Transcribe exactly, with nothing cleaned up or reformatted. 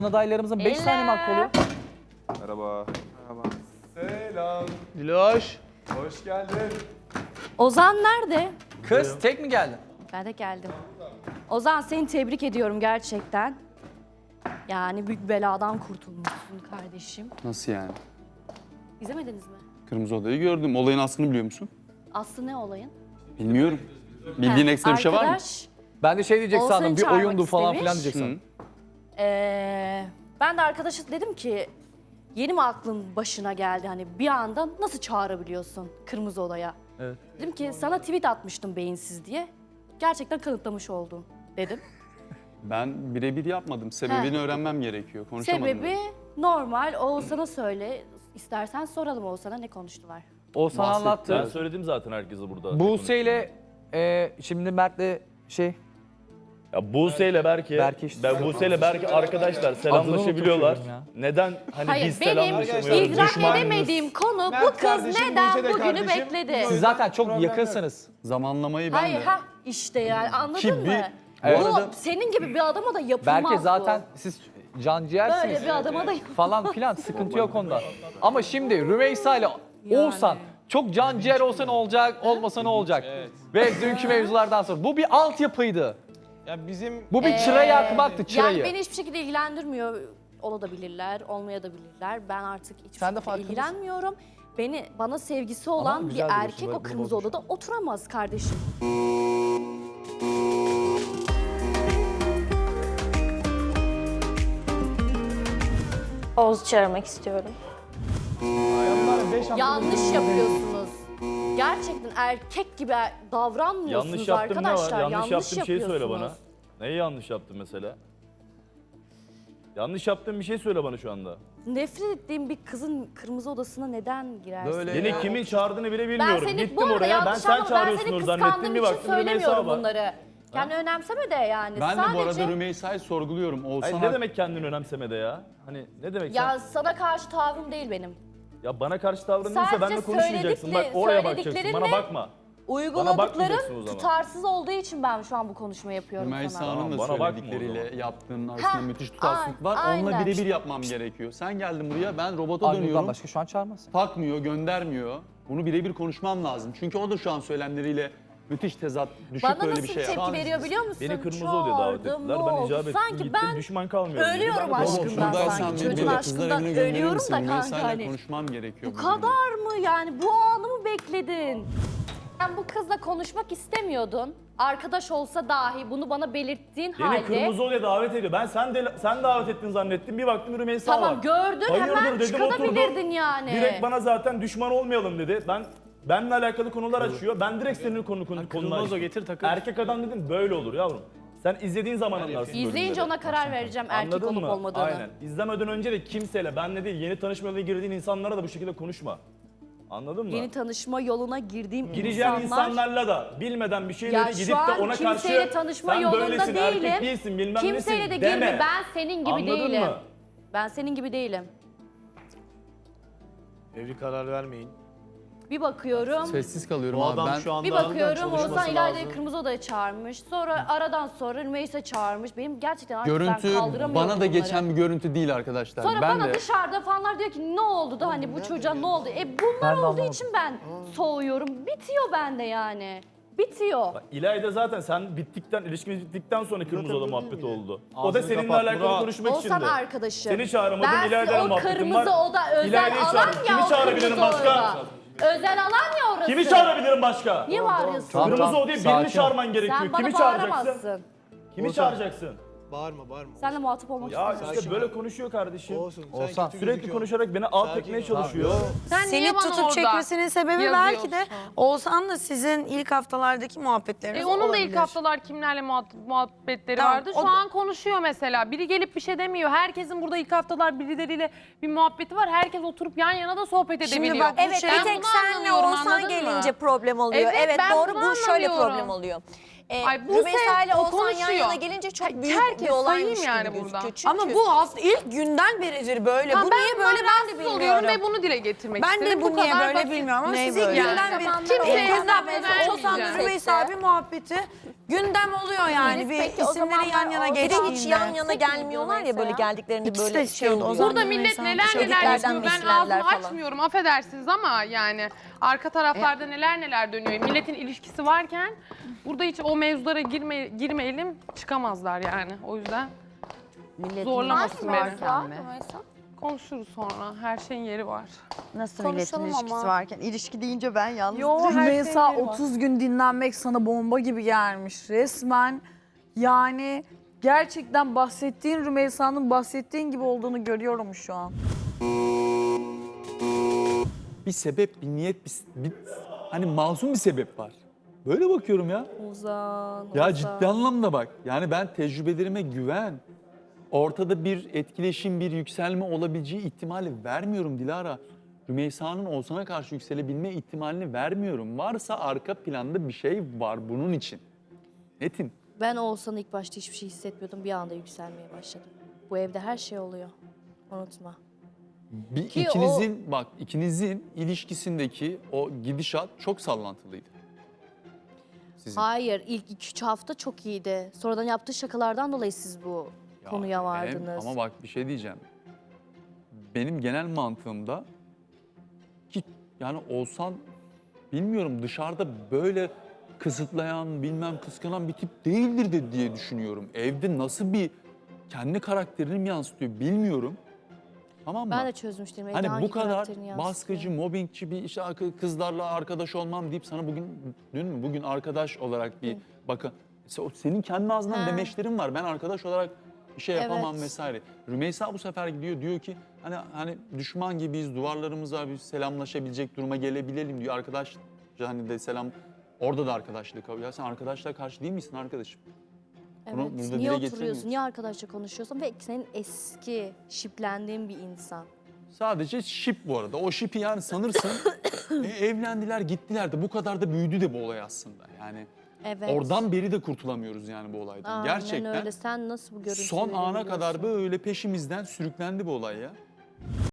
Adaylarımızın beş saniye mi hakkı oluyor? Merhaba. Merhaba. Selam. Diloş. Hoş geldin. Ozan nerede? Kız tek mi geldin? Ben de geldim. Ozan seni tebrik ediyorum gerçekten. Yani büyük beladan kurtulmuşsun kardeşim. Nasıl yani? İzlemediniz mi? Kırmızı Oda'yı gördüm. Olayın aslını biliyor musun? Aslı ne olayın? Bilmiyorum. Bildiğin He, ekstra bir şey var mı? arkadaş, Ben de şey diyecek Oğuzhan'ı sandım, bir çağırmak oyundu falan istemiş. filan diyecek sandım. ee, ben de arkadaşa dedim ki yeni mi aklın başına geldi hani bir anda nasıl çağırabiliyorsun Kırmızı Oda'ya? Evet. Dedim ki sana tweet atmıştım beyinsiz diye. Gerçekten kanıtlamış oldun dedim. Ben birebir yapmadım. Sebebini He. öğrenmem gerekiyor. Konuşamadım. Sebebi normal. Oğuzhan'a söyle. İstersen soralım Oğuzhan'a ne konuştular. Oğuzhan Bahsetti. anlattı. Ben söyledim zaten herkese burada. Buse ile e, şimdi Mert'le şey... Ya Buse ile Berke, Berke işte. ben Buse ile Berke arkadaşlar selamlaşabiliyorlar. unutuyorum ya. Neden hani Hayır biz benim selamlaşamıyoruz? idrak Düşman edemediğim konu Mert bu kız kardeşim, neden Buse de bugünü kardeşim. bekledi. Siz zaten çok yakınsınız. Zamanlamayı ben Hayır de... ha işte yani anladın Ki mı? bir- Evet. Bu arada- senin gibi bir adama da yapılmaz Belki zaten bu. siz canciğersiniz. Böyle bir adama da yapılmaz. Falan filan sıkıntı yok onda. Ama şimdi Rümeysa ile Oğuzhan çok canciğer olsa ne olacak, olmasa ne olacak? Ve dünkü mevzulardan sonra bu bir altyapıydı. Ya bizim Bu bir çıra yakmaktı, çırayı. Yani beni hiçbir şekilde ilgilendirmiyor. Olabilirler, olmayabilirler. Ben artık hiçbir Sen de şekilde farkındasın. ilgilenmiyorum. Beni bana sevgisi olan bir güzel bir erkek görüş, o bunu kırmızı boş ver. odada oturamaz kardeşim. Oğuz çağırmak istiyorum. Yanlış yapıyorsunuz. Gerçekten erkek gibi davranmıyorsunuz Yanlış yaptım ne var? arkadaşlar. Yanlış, yaptığım bir şey söyle bana. yapıyorsunuz. Neyi yanlış yaptım mesela? Yanlış yaptığım bir şey söyle bana şu anda. Nefret ettiğim bir kızın kırmızı odasına neden girersin? Böyle- Beni Ya. kimin çağırdığını bile Ben bilmiyorum. seni bu Gittim arada oraya, ben yanlış sen anlama. Ben çağırıyorsunuz seni zannettim. kıskandığım Bir için baktım Rümeysa söylemiyorum var. bunları. Yani önemseme de yani. Ben de Sadece... bu arada Rümeysa'yı sorguluyorum. Oğuzhan Hayır, ne demek kendini önemsemede ya? Hani ne demek Ya sen? sana karşı tavrım değil benim. Ya bana karşı tavrın değilse Sadece benimle konuşmayacaksın. Bak söyledikle- oraya bakacaksın. Bana söylediklerinle- bakma. Uyguladıklarım bakmayacaksın o zaman. tutarsız olduğu için ben şu an bu konuşma yapıyorum Rümeysa sana. Hanım da Bana bakma o söyledikleriyle zaman. yaptığının arasında Ha, müthiş tutarsızlık var. aynen. Onunla birebir yapmam gerekiyor. Sen geldin buraya, ben robota Armut'tan dönüyorum. başka şu an çağırmaz. Takmıyor, göndermiyor. Bunu birebir konuşmam lazım. Çünkü o da şu an söylemleriyle müthiş tezat, düşük Bana böyle nasıl bir bir şey tepki yapar. veriyor biliyor musun? Beni kırmızı odaya davet Çağırdım, ettiler. ne Ben oldu? icap ettim, Sanki gittim, ben düşman kalmıyorum. dedi. ölüyorum Ben de aşkından konuştum. sanki. Buradaysan Çocuğun beni de aşkından kızlar evine gönderir ölüyorum misin? da kanka Rümeysa'yla hani. konuşmam gerekiyor. Bu bu durumda. kadar mı yani? Bu anı mı bekledin? Sen bu kızla konuşmak istemiyordun. Arkadaş olsa dahi bunu bana belirttiğin Beni halde... kırmızı odaya davet ediyor. Ben sen de sen davet ettin zannettim. Bir baktım Rümeysa var. Tamam gördün Hayırdır hemen dedim, çıkabilirdin oturdu. yani. Direkt bana zaten düşman olmayalım dedi. Ben benimle alakalı konular açıyor. Ben direkt senin konu konu konular o açtım. getir takıl. Erkek adam dedim böyle olur yavrum. Sen izlediğin zaman anlarsın. böyle İzleyince şeyleri. ona karar vereceğim erkek Anladın olup mı? olmadığını. Aynen. İzlemeden önce de kimseyle, benle değil, yeni tanışma yoluna girdiğin insanlara da bu şekilde konuşma. Anladın mı? Yeni tanışma yoluna girdiğim Gireceğin insanlar... insanlarla da bilmeden bir Ya şeyleri gidip şu an de ona kimseyle karşı tanışma sen yolunda böylesin, değilim. erkek değilsin, bilmem Kimseyle nesin de deme. girme. Ben senin gibi Anladın değilim. mı? Ben senin gibi değilim. Evli karar vermeyin. Bir bakıyorum. Sessiz kalıyorum Bu abi. adam Ben şu anda Bir bakıyorum çalışması Oğuzhan İlayda'yı lazım. Kırmızı Oda'ya çağırmış. Sonra aradan sonra Rümeysa çağırmış. Benim gerçekten artık görüntü ben kaldıramıyorum bana da bunları. geçen bir görüntü değil arkadaşlar. Sonra ben bana de dışarıda fanlar diyor ki ne oldu da hani bu çocuğa ne oldu? E bunlar olduğu için ben soğuyorum. Bitiyor bende yani. Bitiyor. İlayda zaten sen bittikten, ilişkimiz bittikten sonra kırmızı oda muhabbeti oldu. o da Ağzını seninle kapat, alakalı Murat. konuşmak Oğuzhan içindi. arkadaşım. Seni çağıramadım, Ben İlayda'yla o muhabbetim kırmızı var. oda özel İlayda'yı alan çağır. ya Kimi o çağırabilirim kırmızı başka? oda. Özel alan ya orası. Kimi çağırabilirim başka? Niye bağırıyorsun? Tamam, Kırmızı tamam. odaya Sakin ol. birini çağırman gerekiyor. Sen bana Kimi çağıracaksın? bağıramazsın. Kimi Oğuzhan. çağıracaksın? Bağırma bağırma. Seninle muhatap olmak Ya istemiyorum. işte böyle konuşuyor kardeşim. Olsun. Sen Oğuzhan, kötü Sürekli gözüküyorsun. konuşarak beni alt Sakin etmeye ol. çalışıyor. Sen Seni niye bana tutup orada çekmesinin sebebi belki de yazıyorsun? Oğuzhan'la sizin ilk haftalardaki muhabbetleriniz E onun da olabilir. ilk haftalar kimlerle muhat- muhabbetleri Tamam, vardı. Şu o da- an konuşuyor mesela. Biri gelip bir şey demiyor. Herkesin burada ilk haftalar birileriyle bir muhabbeti var. Herkes oturup yan yana da sohbet Şimdi edebiliyor. bak, bu Evet şey- bir Ben tek bunu senle anlamıyorum, Oğuzhan anladın mı? gelince problem oluyor. Evet, Evet, ben doğru bunu bu şöyle anlamıyorum. problem oluyor. e, Ay, Buse Rümeysa ile o Oğuzhan yan konuşuyor. yana gelince çok Ha, büyük herkes bir olaymış sayayım yani gibi burada. gözüküyor. Çünkü Ama bu aslında ilk günden beridir böyle. Tamam, bu ben niye bundan böyle ben de rahatsız oluyorum bilmiyorum. ve bunu dile getirmek Ben de istedim. bu niye kadar böyle basit. bilmiyorum ama Ne siz ilk böyle? günden beri Kimseye kimseye hesap mesela Oğuzhan vermeyeceğim. Rümeysa abi muhabbeti gündem oluyor yani. Bir Peki, o isimleri zamanlar yan yana o- Bir de geçtiğinde. hiç yan yana gelmiyorlar ya böyle geldiklerinde İkisi böyle de şey şey oldu. oldu. Burada Ozan millet Rümeysa neler neler çocuklardan yapıyor. Ben beslendiler ağzımı falan. açmıyorum affedersiniz ama yani arka taraflarda neler neler dönüyor. Milletin ilişkisi varken burada hiç o mevzulara girme, girmeyelim çıkamazlar yani. O yüzden zorlamasın beni. Konuşuruz sonra. Her şeyin yeri var. Nasıl Konuşalım milletin ilişkisi ama. varken ilişki deyince ben yalnız Rümeysa otuz gün dinlenmek sana bomba gibi gelmiş resmen. Yani gerçekten bahsettiğin Rümeysa'nın bahsettiğin gibi olduğunu görüyorum şu an. Bir sebep, bir niyet, bir, bir hani masum bir sebep var. Böyle bakıyorum ya. Ozan, Ya Ozan. ciddi anlamda bak. Yani ben tecrübelerime güven. Ortada bir etkileşim, bir yükselme olabileceği ihtimali vermiyorum Dilara. Rümeysa'nın Oğuzhan'a karşı yükselebilme ihtimalini vermiyorum. Varsa arka planda bir şey var bunun için. Netim. Ben Oğuzhan'ı ilk başta hiçbir şey hissetmiyordum. Bir anda yükselmeye başladım. Bu evde her şey oluyor. Unutma. Bir Ki ikinizin bak ikinizin ilişkisindeki o gidişat çok sallantılıydı. Sizin. Hayır, ilk iki üç hafta çok iyiydi. Sonradan yaptığı şakalardan dolayı siz bu Ya konuya hem- vardınız. ama bak bir şey diyeceğim. Benim genel mantığımda ki yani Oğuzhan bilmiyorum dışarıda böyle kısıtlayan bilmem kıskanan bir tip değildir de diye düşünüyorum. Evde nasıl bir kendi karakterini mi yansıtıyor bilmiyorum. Tamam mı? Ben de çözmüştüm. evde Hani hangi bu kadar karakterini yansıtıyor. baskıcı, mobbingçi bir işte kızlarla arkadaş olmam deyip sana bugün dün mü bugün arkadaş olarak bir bakın senin kendi ağzından Ha. demeçlerin var. Ben arkadaş olarak bir şey yapamam Evet. vesaire. Rümeysa bu sefer gidiyor diyor ki hani hani düşman gibiyiz, duvarlarımız var, biz selamlaşabilecek duruma gelebilelim diyor. Arkadaş hani de selam orada da arkadaşlık kabul. Ya sen arkadaşlığa karşı değil misin arkadaşım? Bunu Evet. burada Niye dile oturuyorsun? getiremiyorsun. Niye arkadaşla konuşuyorsun? Ve senin eski, şiplendiğin bir insan. Sadece şip bu arada. O şipi yani sanırsın e, evlendiler gittiler de bu kadar da büyüdü de bu olay aslında. Yani Evet. oradan beri de kurtulamıyoruz yani bu olaydan. Aynen Gerçekten öyle. Sen nasıl bu görüntüleri son ana kadar biliyorsun? böyle peşimizden sürüklendi bu olay ya.